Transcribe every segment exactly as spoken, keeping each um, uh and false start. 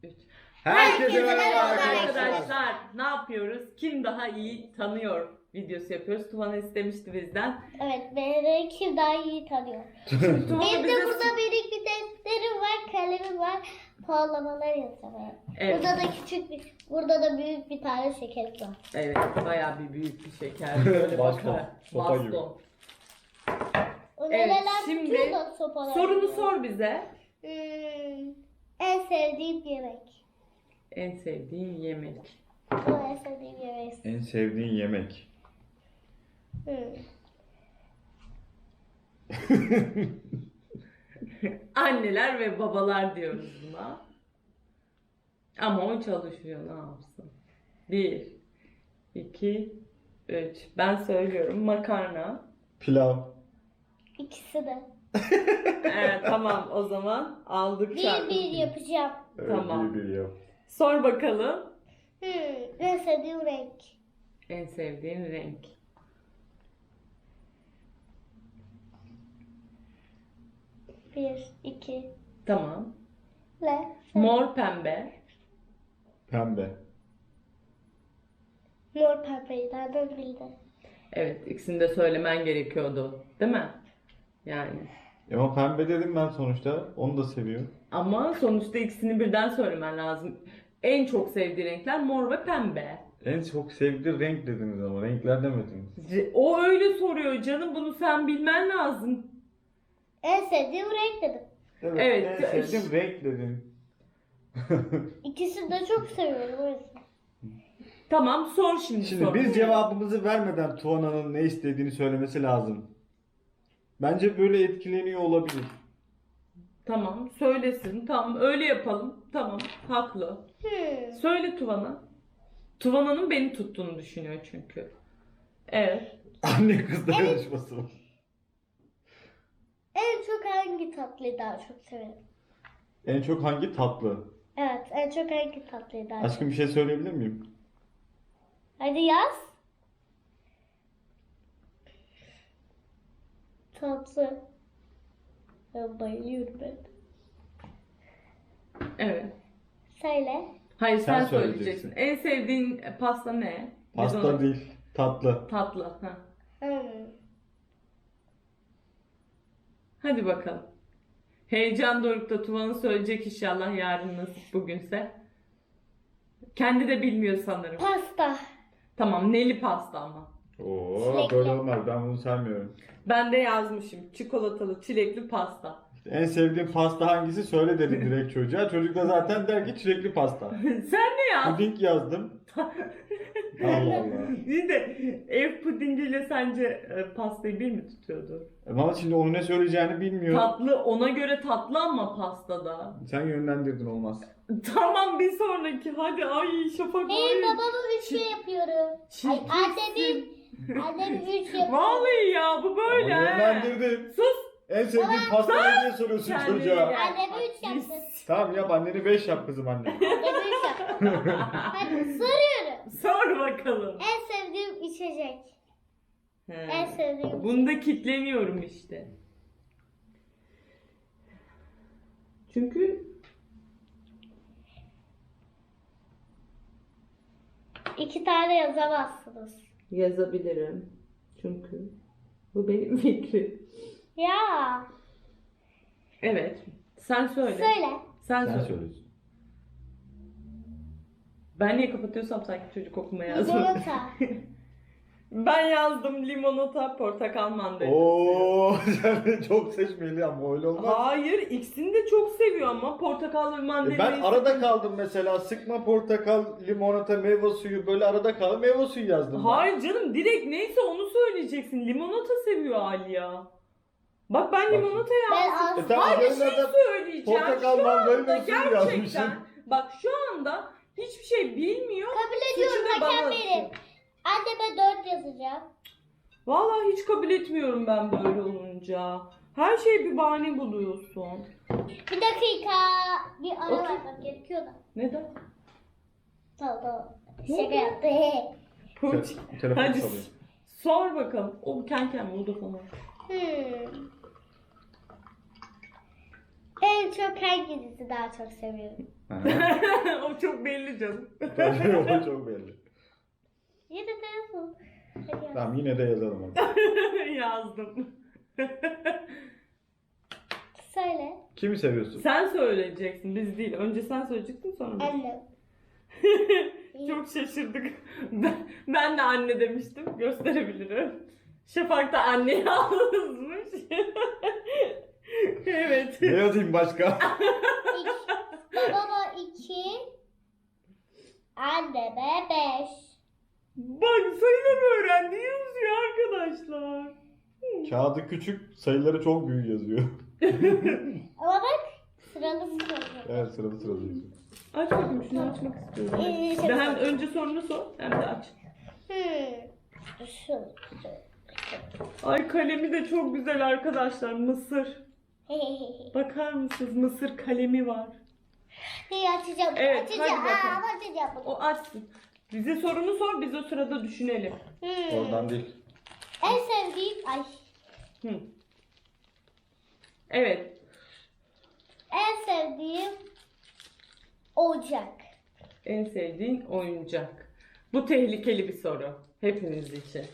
üç. Herkese merhaba arkadaşlar. arkadaşlar. Ne yapıyoruz? Kim daha iyi tanıyor videosu yapıyoruz. Tuvan'a istemişti bizden. Evet, beni kim daha iyi tanıyor. Şimdi Tuvan'a Benim de bize... burada benim bir defterim var, kalemim var. Puanlamalar yazamaya. Evet. Burada da küçük bir, burada da büyük bir tane şekerim var. Evet, bayağı bir büyük bir şeker. Böyle Baston, bakar. sopa gibi. Baston. O Evet, neler şimdi tutuyor da sopalar. Sorunu gibi. sor bize. Hmm, en sevdiğim yemek. En sevdiğin yemek. O en sevdiğim yemek. En sevdiğin yemek. Hmm. Anneler ve babalar diyoruz buna. Ama o çalışıyor, ne yapsın? Bir, iki, üç. Ben söylüyorum makarna. Pilav. İkisi de. Evet, tamam o zaman aldık Bir çarpı. bir yapacağım. Evet, Tamam. Bir bir yap. Sor bakalım. Hmm, en sevdiğim renk. En sevdiğin renk. Bir, iki, Tamam. le. Mor pembe. Pembe. Mor pembeyi nereden bildin? Evet, ikisini de söylemen gerekiyordu. Değil mi? Yani. Ama pembe dedim ben sonuçta. Onu da seviyor. Ama sonuçta ikisini birden söylemen lazım. En çok sevdiği renkler mor ve pembe. En çok sevdiği renk dediniz ama renkler demediniz. C- O öyle soruyor canım, bunu sen bilmen lazım. En sevdiğim renk dedim. Evet, Evet. en sevdiğim renk dedin. İkisini de çok seviyorum o yüzden. Tamam, sor şimdi, Şimdi sor. biz cevabımızı vermeden Tuana'nın ne istediğini söylemesi lazım. Bence böyle etkileniyor olabilir. Tamam, söylesin. Tamam, öyle yapalım. Tamam, haklı. Hmm. Söyle Tuvan'a. Tuvana'nın beni tuttuğunu düşünüyor çünkü. Evet. Anne kız dayanışması var. En çok hangi tatlıyı daha çok severim? En çok hangi tatlı? Evet, en çok hangi tatlıyı daha Aşkım çok bir şey söyleyebilir miyim? Hadi yaz. Tatlı. Ben bayılıyorum ben. Evet. Söyle. Hayır, sen, Sen söyleyeceksin. söyleyeceksin. En sevdiğin pasta ne? Biz Pasta ona- değil, tatlı. Tatlı. Ha. Hmm. Hadi bakalım. Heyecan dorukta Tuvan'ı söyleyecek inşallah, yarın nasip bugünse. Kendi de bilmiyor sanırım. Pasta. Tamam, neli pasta ama. Oo, Çilekli. böyle olmaz. Ben bunu sevmiyorum. Ben de yazmışım. Çikolatalı, çilekli pasta. En sevdiğin pasta hangisi söyle dedim direkt çocuğa. Çocuk da zaten der ki çilekli pasta. Sen ne yazdın? Puding yazdım. Allah Allah. İyi de ev pudingiyle sence e, pastayı bir mi tutuyordu? Ama şimdi onu ne söyleyeceğini bilmiyor. Tatlı, ona göre tatlı ama pastada. Sen yönlendirdin olmaz. Tamam, bir sonraki. Hadi, ay Şafak, Benim ay. babamı üç şey yapıyorum. Ay, Çirkinsin. annemin, annemin üç yapıyorum. Vallahi ya, bu böyle. Ama he. yönlendirdin. Sus. En sevdiğin pasta ne diye soruyorsun Kendine çocuğa. gel. Anneme üç yaptın. Tamam yap, anneni beş yap kızım anne. Anneme üç yaptın. Hadi soruyorum. Sor bakalım. En sevdiğim içecek. He. En sevdiğim. Bunda kitleniyorum işte. Çünkü İki tane yazamazsınız. yazabilirim. Çünkü bu benim fikrim. Ya. Evet. Sen söyle. Söyle. Sen, Sen söyle. söylüyorsun. Ben niye kapatıyorsam sanki çocuk okuma yazmadı. Limonata. Ben yazdım limonata, portakal mandalina. Oo, sen de çok seçmeli ama öyle olmaz. Hayır, ikisini de çok seviyor ama portakal ve E mandalina. ben arada kaldım mesela, sıkma portakal, limonata, meyve suyu, böyle arada kaldım, meyve suyu yazdım. ben. Hayır canım, direkt neyse onu söyleyeceksin. Limonata seviyor Aliya. Bak ben limonata Ben yazdım. az. E tamam, Hayır, bir üzerine şey de söyleyeceğim. portakal, Şu mandalina anda suyu gerçekten. yazmışsın. Bak şu anda hiçbir şey bilmiyor. Kabul ediyorum, Suçu da hakem bana benim. atıyor. Anneme dört yazacağım. Vallahi hiç kabul etmiyorum ben böyle olunca. Her şeye bir bahane buluyorsun. Bir dakika. Bir ara Otur. vermem gerekiyor da. Neden? Tamam tamam. Ne Şaka oldu? yaptı. Pıç. Te- telefon Hadi çalıyor. sor bakalım. O kenken buldu falan. Hmm. En çok hanginizi daha çok seviyorum? Hı. belli canım. Tabii o çok belli. Yine de yazın. Hadi yaz. Tamam yine de yazalım hadi. Yazdım. Söyle. Kimi seviyorsun? Sen söyleyeceksin, biz değil. Önce sen söyleyeceksin, sonra biz. Annem. Çok şaşırdık. Ben, ben de anne demiştim. Gösterebilirim. Şafak da anne yazmış. Evet. Ne yazayım başka? İki. Babama iki. Anneme beş. Bak sayıları öğrendi. Yazıyor arkadaşlar. Kağıdı küçük, sayıları çok büyük yazıyor. Ama bak sıralı sıralı. Evet sırada sırada yazıyor. Aç bakayım, şunu açmak istiyorum. Ee, Ben hem önce sorunu sor hem de aç. Hmm. Şu. Ay kalemi de çok güzel arkadaşlar. Mısır. Bakar mısınız? Mısır kalemi var. İyi açacağım. Evet, açacağım. hadi bakalım. Aa, açacağım. bunu. O açsın. Bize sorunu sor, biz o sırada düşünelim. Hmm. Oradan değil. En sevdiğim ay. Hı. Evet. En sevdiğim ocak. En sevdiğin oyuncak. Bu tehlikeli bir soru. Hepiniz için.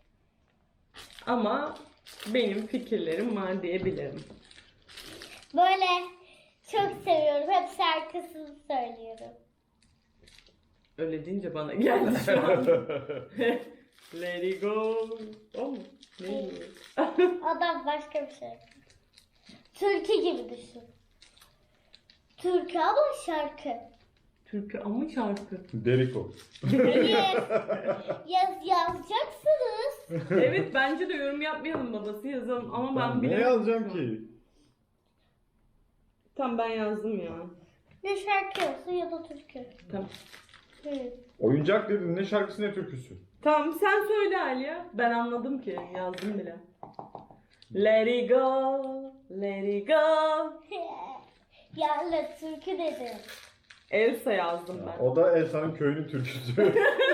Ama benim fikirlerim var diyebilirim. Böyle çok seviyorum. Hep şarkısını söylüyorum. Öyle deyince bana geldi şu an. Let it go. O mu? Ne? Adam başka bir şey. Türkü gibi düşün. Türkü ama şarkı. Türkü ama şarkı. Deriko. Hayır. Yaz, yazacaksınız. Evet, bence de yorum yapmayalım, babası yazalım ama ben Ben ne bilemem. yazacağım ki? Tamam, ben yazdım ya. Ne şarkı olsun ya da türkü. Tamam. Hı. Oyuncak dedin, ne şarkısı ne türküsü? Tamam, sen söyle Aliye. Ben anladım ki, yazdım bile. Let it go, let it go. Ya öyle türkü dedim. Elsa yazdım ben. O da Elsa'nın köyünün türküsü.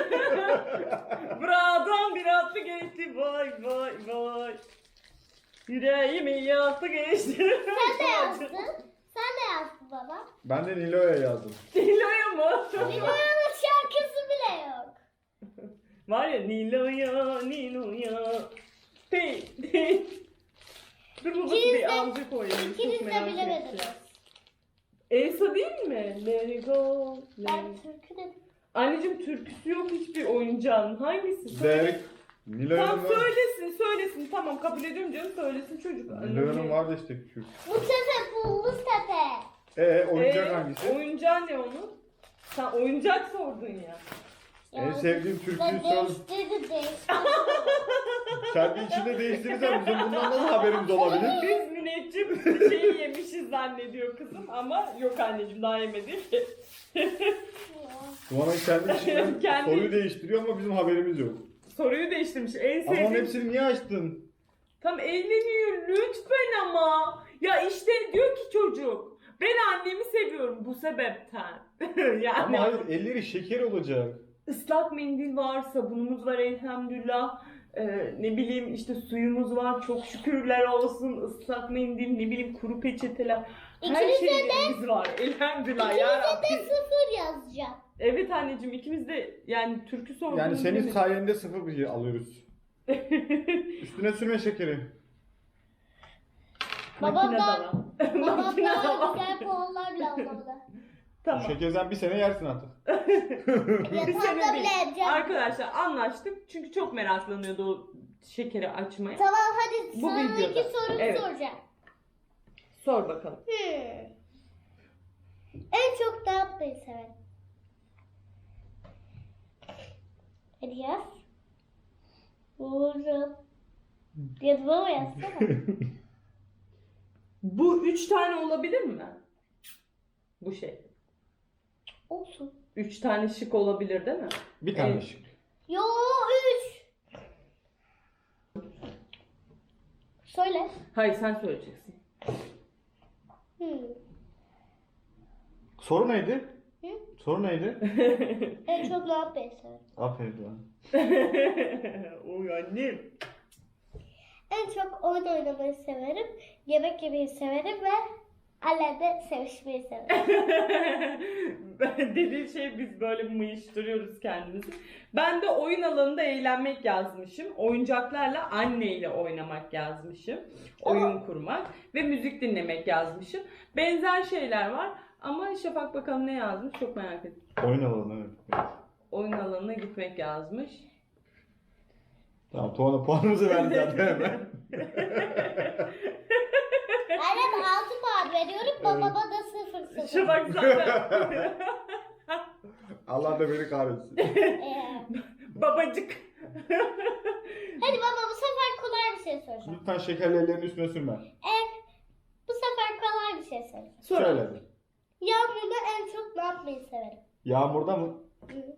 Buradan bir atlı geçti, vay vay vay. Yüreğimi yaktı geçti. Sen de yazdın. Sen de yazdın baba. Ben de Nilo'ya yazdım. Nilo'ya mı? Nilo'nun şarkısı bile yok. Var ya, Nilo'ya, Nilo'ya. Hey, hey. Dur babası İkiniz bir de- amca koyayım. İkiniz Çok de merak bilemediniz. ettim. Elsa değil mi? Let it go. Let Ben it... türkü dedim. Anneciğim, türküsü yok hiçbir oyuncağın. Hangisi? Söyle. Derek. Nilo'nun Tamam, var. söylesin söylesin. Tamam, kabul ediyorum canım, söylesin çocuk. Nilo'nun vardı işte küçük. Bu tepe pullu tepe. Ee oyuncak Ee, hangisi? Oyuncağı ne onun? Sen oyuncak sordun ya. En sevdiğim türküyü Ben sor. değiştirdi değiştirdi. Kendi içinde değiştirirsen bizim bundan nasıl haberimiz olabilir? Biz müneccim bir şeyi yemişiz zannediyor kızım ama yok anneciğim, daha yemedik. Tuğan'ın kendi içinden Kendi- soruyu değiştiriyor ama bizim haberimiz yok. Soruyu değiştirmiş. En Ama onun sevdiğim... hepsini niye açtın? Tam evleniyor lütfen ama. Ya işte diyor ki çocuk. Ben annemi seviyorum bu sebepten. Yani Ama hayır elleri şeker olacak. ıslak mendil var, sabunumuz var elhamdülillah. Ee, ne bileyim işte suyumuz var, çok şükürler olsun. Islak mendil, ne bileyim kuru peçeteler. Her İkinize şeyimiz var elhamdülillah ya İkinize de Rabbi. sıfır yazacağım. Evet anneciğim, ikimiz de yani türkü sorduğunu Yani senin bilemedik. sayende sıfır bir alıyoruz. Üstüne sürme şekeri. Babam Makine da- dala. Babam Makine daha dala. güzel puanlarla almalı. Bu Tamam. şekerden bir sene yersin artık. Bir Yatağımda sene bile değil. yapacağım. Arkadaşlar anlaştık çünkü çok meraklanıyordu o şekeri açmaya. Tamam hadi Bu sıradaki videoda. sorumu Evet. soracağım. Sor bakalım. Hmm. En çok ne yapmayı sever? Hadi yaz. Vururum. Yazma mı yazsana? Bu üç tane olabilir mi? Bu şey. Olsun. Üç tane şık olabilir değil mi? Bir tane Evet. şık. Yo üç. Söyle. Hayır, sen söyleyeceksin. Hmm. Soru neydi? Hı? Soru neydi? En çok ne yapmayı sever? Aferin lan. Oy annem. En çok oyun oynamayı severim. Yemek yemeyi severim ve Annem de sevişmeyi sever. Dediği şey biz böyle mıyıştırıyoruz kendimizi. Ben de oyun alanında eğlenmek yazmışım. Oyuncaklarla anneyle oynamak yazmışım. Oyun kurmak ve müzik dinlemek yazmışım. Benzer şeyler var ama Şafak bakalım ne yazmış çok merak ettim. Oyun alanı evet. Oyun alanına gitmek yazmış. Tamam Tuana puanımızı verdi zaten hemen. Annem altı puan veriyorum, babama da sıfır sıfır. Şafak zaten. Allah da beni kahretsin. Ee, Babacık. Hadi baba, bu sefer kolay bir şey soracağım. Lütfen şekerli ellerin üstüne sürme. Evet, bu sefer kolay bir şey soracağım. Sonra. Söyle hadi. Yağmurda en çok ne yapmayı severim? Yağmurda mı? Hı.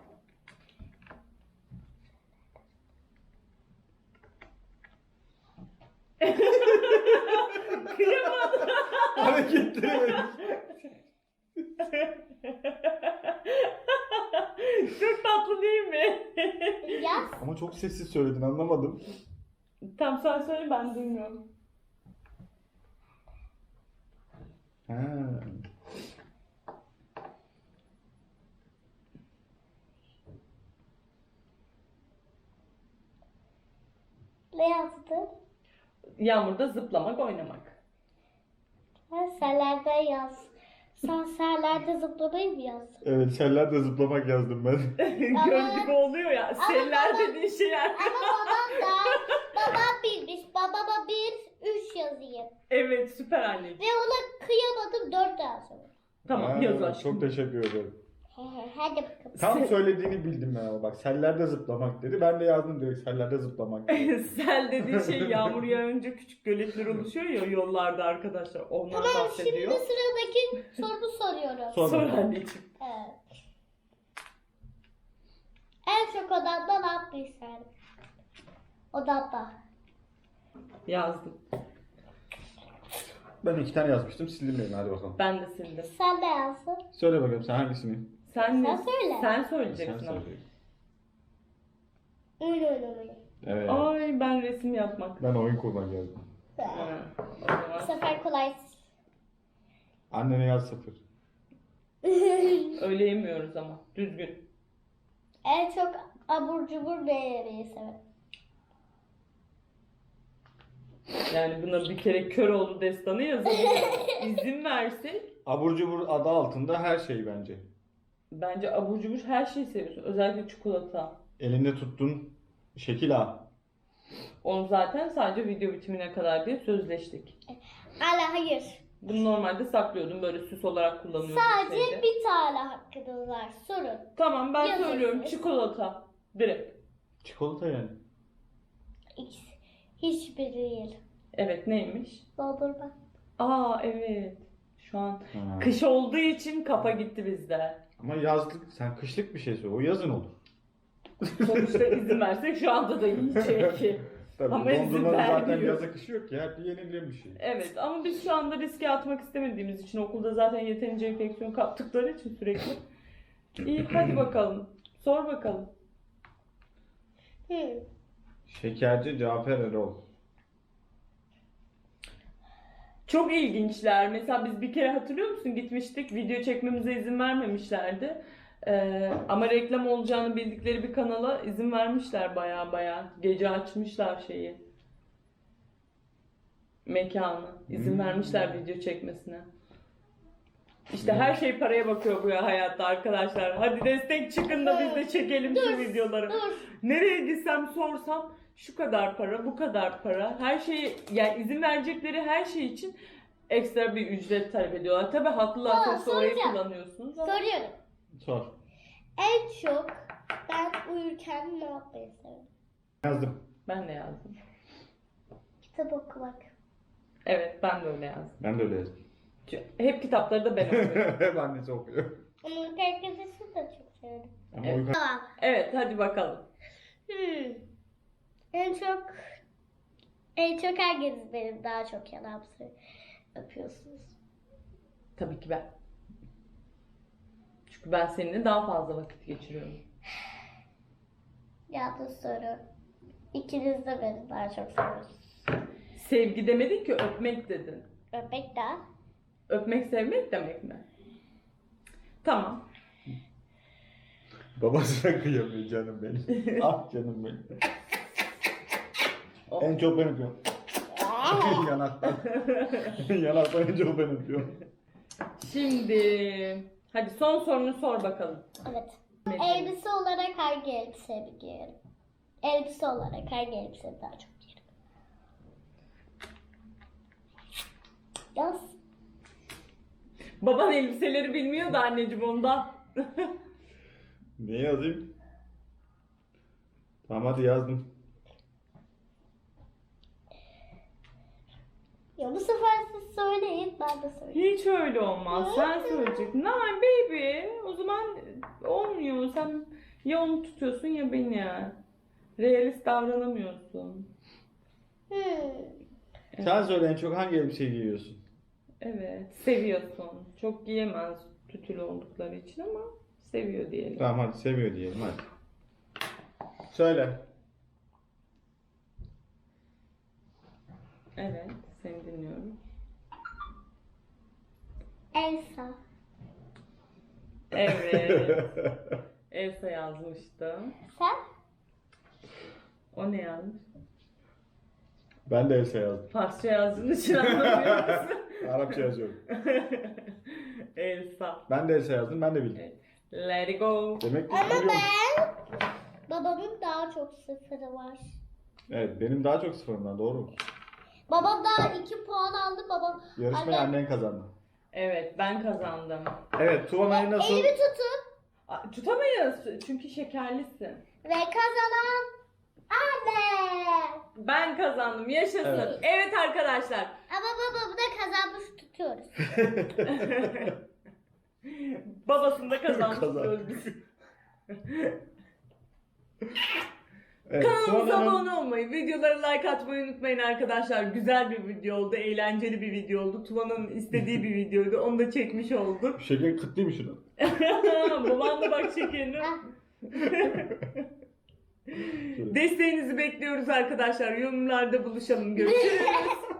Kıyamadım. Hareketleri verin. Çok tatlı değil mi? Yaz. Ama çok sessiz söyledin anlamadım. Tam sen söyle ben duymuyorum. Ha. Ne yazdın? Yağmurda zıplamak, oynamak. Ha, sellerde yaz. Sen sellerde zıplamayı mı yazdın? Evet sellerde zıplamak yazdım ben. Göl gibi oluyor ya. Seller baba- dediğin şeyler. Ama babam da, babam bilmiş. Babama bir, üç yazayım. Evet süper anneciğim. Ve ona kıyamadım, dört yazdım. Tamam Ha, yaz aşkım. Çok teşekkür ederim. Hadi bakalım. Tam söylediğini bildim ben ama bak sellerde zıplamak dedi. Ben de yazdım direkt sellerde zıplamak dedi. Sel dediğin şey yağmur yağınca küçük göletler oluşuyor ya yollarda arkadaşlar. Onlar Tamam, şimdi bahsediyor. sıradaki sorumu soruyorum. Sor Sor bakalım. anneciğim. Evet. En çok odamda ne yapmayı isterdim? Odamda. Yazdım. Ben iki tane yazmıştım sildim birini hadi bakalım. Ben de sildim. Sen de yazdın. Söyle bakalım sen hangisini? Sen, ne? Sen söyle. Sen Sen söyleyeceksin ama. söyle. Oyun oynamayı. Evet. Ay ben resim yapmak. Ben oyun kurmak yazdım. Ha, o Bu zaman. sefer kolay. Annene yaz sıfır. Öyle yemiyoruz ama. Düzgün. En çok abur cubur ne yemeyi severim? Yani buna bir kere kör oldu destanı yazalım. İzin versek. Abur cubur adı altında her şey bence. Bence abur cubur her şeyi seviyorsun. Özellikle çikolata. Elinde tuttun şekil A. Onu zaten sadece video bitimine kadar diye sözleştik. Hala hayır. Bunu normalde saklıyordum. Böyle süs olarak kullanıyordum. Sadece şeyde. bir tane hakkınız var. Sorun. Tamam ben Yazın. söylüyorum. Çikolata. Direkt. Çikolata yani. İkisi. Hiçbiri değil. Evet neymiş? Doldurma. Aa evet. Şu an Ha. kış olduğu için kafa gitti bizde. Ama yazlık sen kışlık bir şey söyle. O yazın olur. Sonuçta izin versek şu anda da yiyecek. Tabii Ama izin dondurmanın zaten vermiyor. yaza kışı yok ki. Hep yenilen bir şey. Evet ama biz şu anda riske atmak istemediğimiz için okulda zaten yeterince enfeksiyon kaptıkları için sürekli. İyi hadi bakalım. Sor bakalım. Hmm. Şekerci Cafer Erol. Çok ilginçler. Mesela biz bir kere hatırlıyor musun gitmiştik video çekmemize izin vermemişlerdi. Ee, ama reklam olacağını bildikleri bir kanala izin vermişler baya baya. Gece açmışlar şeyi. Mekanı. İzin Hmm. vermişler video çekmesine. İşte her şey paraya bakıyor bu ya hayatta arkadaşlar. Hadi destek çıkın da biz de çekelim şu videoları. Dur. Nereye gitsem sorsam şu kadar para, bu kadar para. Her şeyi yani izin verecekleri her şey için ekstra bir ücret talep ediyorlar. Tabii haklılar Aa, sonuçta orayı soracağım. kullanıyorsunuz ama. Soruyorum. Sor. En çok ben uyurken ne yapmayı severim? Yazdım. Ben de yazdım. Kitap okumak. Evet ben de öyle yazdım. Ben de öyle yazdım. Çünkü hep kitapları da ben okuyorum. Hep annesi okuyor. Ama uyku arkadaşını da çok severim. Ama Evet. uyku... Tamam. Evet hadi bakalım. Hmm. En çok en çok hanginiz benim daha çok yalan yapıyorsunuz? Tabii ki ben. Çünkü ben seninle daha fazla vakit geçiriyorum. Yanlış soru. İkiniz de beni daha çok seviyorsunuz. Sevgi demedin ki öpmek dedin. Öpmek daha. Öpmek sevmek demek mi? Tamam. Babasına kıyamıyor canım benim. Ah canım benim. Oh. En çok ben öpüyorum. Yanaktan. Yanaktan en çok ben öpüyorum. Şimdi hadi son sorunu sor bakalım. Evet. Elbise olarak hangi elbise giyerim? Elbise olarak hangi elbise daha çok giyerim? Yaz. Baban elbiseleri bilmiyor da anneciğim ondan. Ne yazayım? Tamam hadi yazdım. Ya bu sefer siz söyleyin, ben de söyleyeyim. Hiç öyle olmaz. Sen söyleyeceksin. Nah baby. O zaman olmuyor. Sen ya onu tutuyorsun ya beni. Realist davranamıyorsun. Hmm. Sen söyle en çok hangi elbiseyi giyiyorsun? Evet. Seviyorsun. Çok giyemez tütülü oldukları için ama seviyor diyelim. Tamam hadi seviyor diyelim hadi. Söyle. Evet. Seni dinliyorum. Elsa. Evet. Elsa yazmıştım. Sen? O ne yazmış? Ben de Elsa yazdım. Farsça yazdığın için anlamıyor musun? Arapça yazıyorum. Elsa. Ben de Elsa yazdım, ben de bildim. Evet. Let it go. Demek ki Ama biliyorum. ben... Babamın daha çok sıfırı var. Evet, benim daha çok sıfırımdan, doğru mu? Babam daha iki puan aldı. Babam... Yarışmayı Anne- annen kazandı. Evet ben kazandım. Evet, Tuvana'yı nasıl... Elimi tutun. Aa, tutamayız çünkü şekerlisin. Ve kazanan anne. Ben kazandım. Yaşasın. Evet, Evet. arkadaşlar. Ama babamı da kazanmış tutuyoruz. Babasını da kazanmış Kazan. diyoruz biz. Evet, Kanalımıza Tuvana'nın... abone olmayı, videolara like atmayı unutmayın arkadaşlar. Güzel bir video oldu, eğlenceli bir video oldu. Tuvana'nın istediği bir videoydu. Onu da çekmiş olduk. Şeker kıtlıymış şunu. Baban da bak şekerini. Ah. Desteğinizi bekliyoruz arkadaşlar. Yorumlarda buluşalım. Görüşürüz.